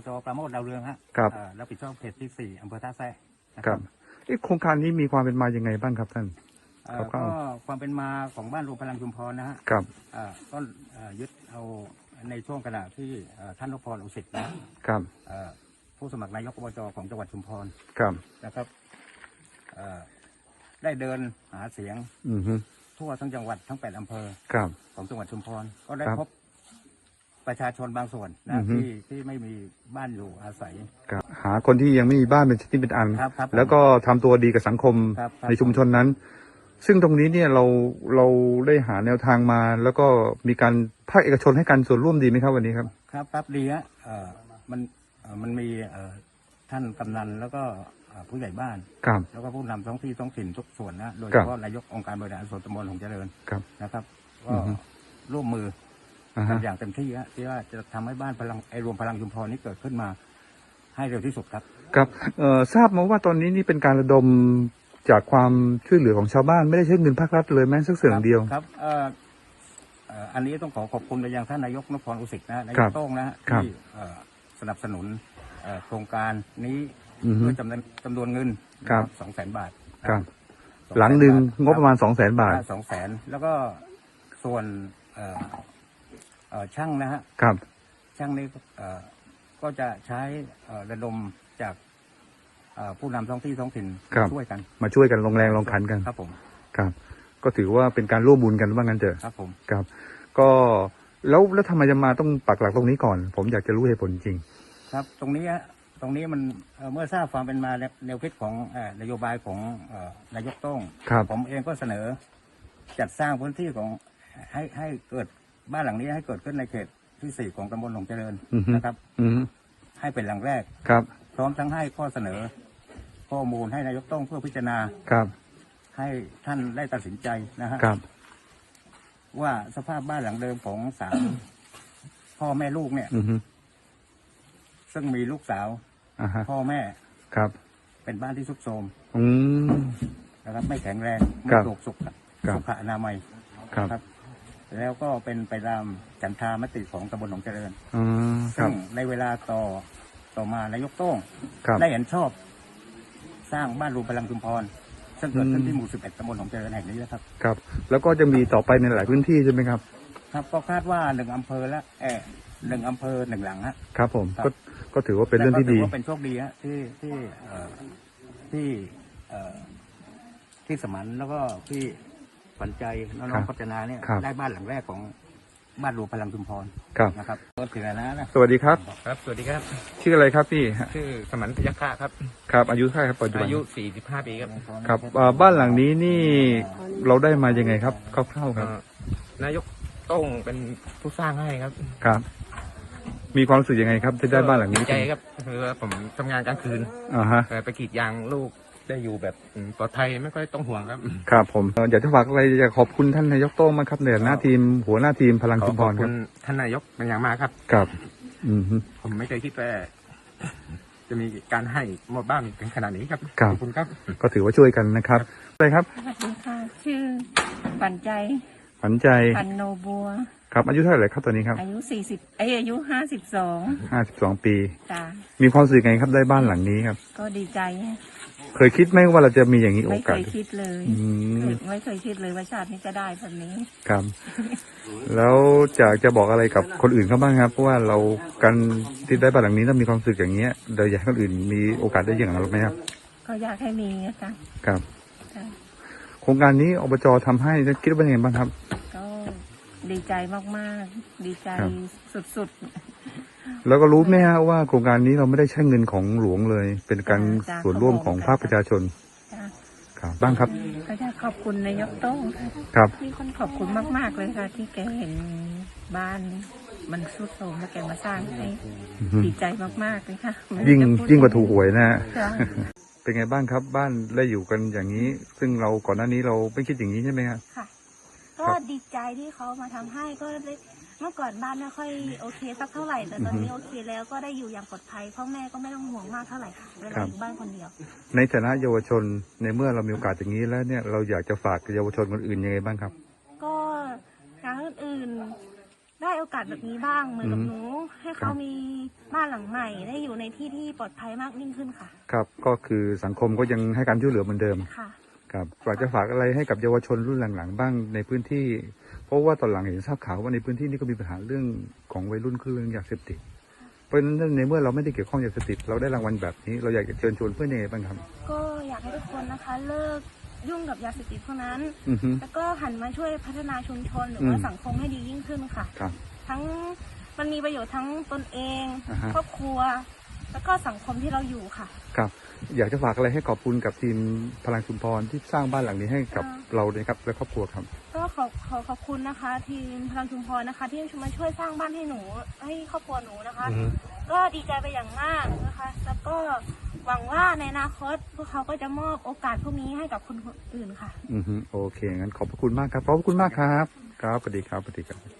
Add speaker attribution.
Speaker 1: จ.ปราโมชดาวเรืองฮะรับผิดชอบเขตที่4อำเภอท่าแซะ
Speaker 2: ครับโครงการนี้มีความเป็นมายังไงบ้างครับท่าน
Speaker 1: ก็ความเป็นมาของบ้านรวมพลังชุมพรนะฮะ
Speaker 2: ครับ
Speaker 1: ก็ยึดเอาในช่วงขณะที่ท่านนพพร อุสิตนะครับผู้สมัครนายกอบจ.ของจังหวัดชุมพร
Speaker 2: ครับ
Speaker 1: นะครับได้เดินหาเสียงทั่วทั้งจังหวัดทั้ง8อำเภอของจังหวัดชุมพรก็ได้พบประชาชนบางส่วนนะที่ไม่มีบ้านอยู่อาศัย
Speaker 2: หาคนที่ยังไม่มีบ้านเป็นที่เป็นอันแล้วก็ทำตัวดีกับสังคมในชุมชนนั้นซึ่งตรงนี้เนี่ยเราได้หาแนวทางมาแล้วก็มีการภาคเอกชนให้การส่วนร่วมดีไหมครับวันนี้ครับ
Speaker 1: ครับดีฮะมันมีท่านกำนันแล้วก็ผู้ใหญ่บ้านแล้วก็ผู้นำท้องที่ท้องถิ่นทุกส่วนนะโดยเฉพาะนายกองค์การบริหารส่วนตำบลหงส์เจริญนะครับก็ร่วมมืออย่างเต็มที่ที่ว่าจะทำให้บ้านรวมพลังชุมพรนี้เกิดขึ้นมาให้เร็วที่สุดครับ
Speaker 2: ครับทราบมาว่าตอนนี้นี่เป็นการระดมจากความช่วยเหลือของชาวบ้านไม่ได้ใช้เงินภาครัฐเลยแม้สักเสียงเดียว
Speaker 1: ครับอันนี้ต้องขอบคุณไปยังท่านนายกนพพร อุสิตนะนายกโต้งนะที่สนับสนุนโครงการนี้ด้วยจำนวนเงิน200,000 บาท
Speaker 2: หลังหนึ่งงบประมาณ200,000 บาท
Speaker 1: 200,000แล้วก็ส่วนช่างนะฮะช่างนี้ก็จะใช้ระดมจากผู้นำท้องที่ท้องถิ่นช่วยกัน
Speaker 2: มาช่วยกันลงแรงลงขันกัน
Speaker 1: ครับผม
Speaker 2: ครับก็ถือว่าเป็นการร่วมบุญกันว่างั้นเถอะ
Speaker 1: ครับผม
Speaker 2: ครับก็แล้วทำไมจะมาต้องปักหลักตรงนี้ก่อนผมอยากจะรู้เหตุผลจริง
Speaker 1: ครับตรงนี้มันเมื่อทราบความเป็นมาแนวคิดของนโยบายของนายกโต้งผมเองก็เสนอจัดสร้างพื้นที่ของให้เกิดบ้านหลังนี้ให้เกิดขึ้นในเขตที่4ของตำบลหงส์เจริญนะครับให้เป็นหลังแรกพร้อมทั้งให้ข้อเสนอข้อมูลให้นายกโต้งเพื่อพิจารณาให้ท่านได้ตัดสินใจนะฮะว่าสภาพบ้านหลังเดิมของ3พ่อแม่ลูกเนี่ยซึ่งมีลูกสาวพ่อแม่เป็นบ้านที่ทรุดโทรมนะครับไม่แข็งแรงไม่ถูกสุขอนามัยครับแล้วก็เป็นไปตามฉันทามติของตำบลหนองเจริญซึ่งในเวลาต่อมานายกโต้งได้เห็นชอบสร้างบ้านรวมพลังชุมพรซึ่งเกิดขึ้นที่หมู่11ตำบลหนองเจริญแห่งนี้นะครับ
Speaker 2: ครับแล้วก็จะมีต่อไปในหลายพื้นที่ใช่ไหมครับ
Speaker 1: ครับก็คาดว่า1อำเภอละ1อำเภอ1หลังฮะ
Speaker 2: ครับผมก็ถือว่าเป็นเรื่องที่ดี
Speaker 1: ก็เป็นโชคดีฮะที่สมันแล้วก็ที่ฝันใจน้องๆพัฒนาเนี่ยได้บ้านหลังแรกของบ้านรวมพลังชุมพรนะครับก็ถือนะ
Speaker 2: สวัสดีครับ
Speaker 3: ครับสวัสดีครับ
Speaker 2: ชื่ออะไรครับพี่
Speaker 3: ชื่อสมันพยัคฆะครับ
Speaker 2: ครับอายุเท่าไหร่ครับปัจจุบัน
Speaker 3: อายุ45 ปีครับ
Speaker 2: ครับบ้านหลังนี้นี่เราได้มายังไงครับคร่าวๆครับ
Speaker 3: นายกโต้งเป็นผู้สร้างให้ครับ
Speaker 2: ครับมีความรู้สึกยังไงครับที่ได้บ้านหลังนี้
Speaker 3: ใจครับคือผมทำงานกลางคืนไปกรีดยางลูกได้อยู่แบบปลอดภัยไม่ค่อยต้องห่วงครับ
Speaker 2: ครับผมอยากจะฝากอะไรอยากขอบคุณท่านนายกโต้งมากครับในหน้าทีมหัวหน้าทีมพลังชุมพรครับ
Speaker 3: ท่านนายกเป็นอย่างมากครับ
Speaker 2: ครับ
Speaker 3: ผมไม่เคยคิดว่าจะมีการให้มอบบ้านถึงขนาดนี้ครับขอบคุณครับ
Speaker 2: ก็ถือว่าช่วยกันนะครับอะไรครับ
Speaker 4: สวัสดีค่ะชื่อปันใจ
Speaker 2: ปัน
Speaker 4: โนบัว
Speaker 2: ครับอายุเท่าไหร่ครับตอนนี้ครับ
Speaker 4: อายุอายุ
Speaker 2: 52 ปี
Speaker 4: จ้า
Speaker 2: มีความรู้สึกไงครับได้บ้านหลังนี้ครับ
Speaker 4: ก็ดีใจ
Speaker 2: เคยคิดไหมว่าเราจะมีอย่างนี้โอกาส
Speaker 4: ไม่เคยคิดเลยไม่เคยคิดเลยว่าชาตินี้จะได้แบบนี้
Speaker 2: ครับแล้วจะบอกอะไรกับคนอื่นเขาบ้างครับเพราะว่าเราการที่ได้บ้านหลังนี้ต้องมีความรู้สึกอย่างเงี้ยเราอยากให้คนอื่นมีโอกาสได้อย่างเราไหมครับ
Speaker 4: ก็อยากให้มีนะคะ
Speaker 2: ครับโครงการนี้อบจทำให้คิดว่ายังไงบ้างครับ
Speaker 4: ก็ดีใจมากๆดีใจสุดๆ
Speaker 2: แล้วก็รู้ไหมฮะว่าโครงการนี้เราไม่ได้ใช้เงินของหลวงเลยเป็นการส่วนร่วมของภาคประชาชนครับบ้างครับ
Speaker 4: ก็จะขอบคุณนายกโต้ง
Speaker 2: ครับ
Speaker 4: ที่คนขอบคุณมากๆเลยค่ะที่แกเห็นบ้านมันทรุดโทรมแล้วแกมาสร้างให้ดีใจมากๆเลยค่ะ
Speaker 2: ยิ่งกว่าถูกหวยนะฮะเป็นไงบ้างครับบ้านได้อยู่กันอย่างนี้ซึ่งเราก่อนหน้านี้เราไม่คิดอย่างนี้ใช่ไหมครับ
Speaker 5: ค่ะก็ดีใจที่เขามาทำให้ก็เมื่อก่อนบ้านไม่ค่อยโอเคสักเท่าไหร่แต่ตอนนี้โอเคแล้วก็ได้อยู่อย่างปลอดภัยพ่อแม่ก็ไม่ต้องห่วงมากเท่าไหร่ค่ะเวลาอยู่บ้านคนเดียว
Speaker 2: ในฐานะเยาวชนในเมื่อเรามีโอกาสอย่างนี้แล้วเนี่ยเราอยากจะฝากเยาวชนคนอื่นยังไงบ้างครับ
Speaker 5: ก็ทางอื่นได้โอโอกาสแบบนี้บ้างเหมือนกับ
Speaker 2: อืม
Speaker 5: หนู ให้เขามีบ้านหลังใหม่ได้อยู่ในที่ที่ปลอดภัยมากยิ่งขึ้นค่ะ
Speaker 2: ครับก็คือสังคมก็ยังให้การช่วยเหลือเหมือนเดิม
Speaker 5: ค่ะ
Speaker 2: ครับอยากจะฝากอะไรให้กับเยาวชนรุ่นหลังๆบ้างในพื้นที่ เพราะว่าตอนหลังเห็นทราบข่าวว่าในพื้นที่นี้ก็มีปัญหาเรื่องของวัยรุ่นคือเรื่องยาเสพติดเพราะฉะนั้นในเมื่อเราไม่ได้เกี่ยวข้องยาเสพติดเราได้รางวัลแบบนี้เราอยากจะเชิญชวนเพื่อนยังไงบ้างครับ
Speaker 5: ก็อยากให้ทุกคนนะคะ เลิกยุ่งกับยาเสพติดพวกนั้น
Speaker 2: อือฮึ
Speaker 5: แล้วก็หันมาช่วยพัฒนาชุมชนหรือว่า
Speaker 2: อืม
Speaker 5: สังคมให้ดียิ่งขึ้นค่ะ
Speaker 2: ครับ
Speaker 5: ทั้งมันมีประโยชน์ทั้งตนเอง
Speaker 2: อ่าฮะ
Speaker 5: ครอบครัว แล้วก็สังคมที่เราอยู่ค่ะ
Speaker 2: ครับอยากจะฝากอะไรให้ขอบคุณกับทีมพลังชุมพรที่สร้างบ้านหลังนี้ให้กับเราเลยครับและครอบครัวครับ
Speaker 5: ก็ขอบคุณนะคะ ทีมพลังชุมพรนะคะ ที่มาช่วยสร้างบ้านให้หนูให้ครอบครัวหนูนะคะ
Speaker 2: อือฮึ
Speaker 5: ก็ดีใจไปอย่างมากนะคะ แล้วก็หวังว่าในอนาคตพวกเขาก็จะมอบโอกาสพวกนี้ให้กับคนอื่นค่ะ
Speaker 2: อือฮึโอเคงั้นขอบพระคุณมากครับขอบพระคุณมากครับครับสวัสดีครับสวัสดีครับ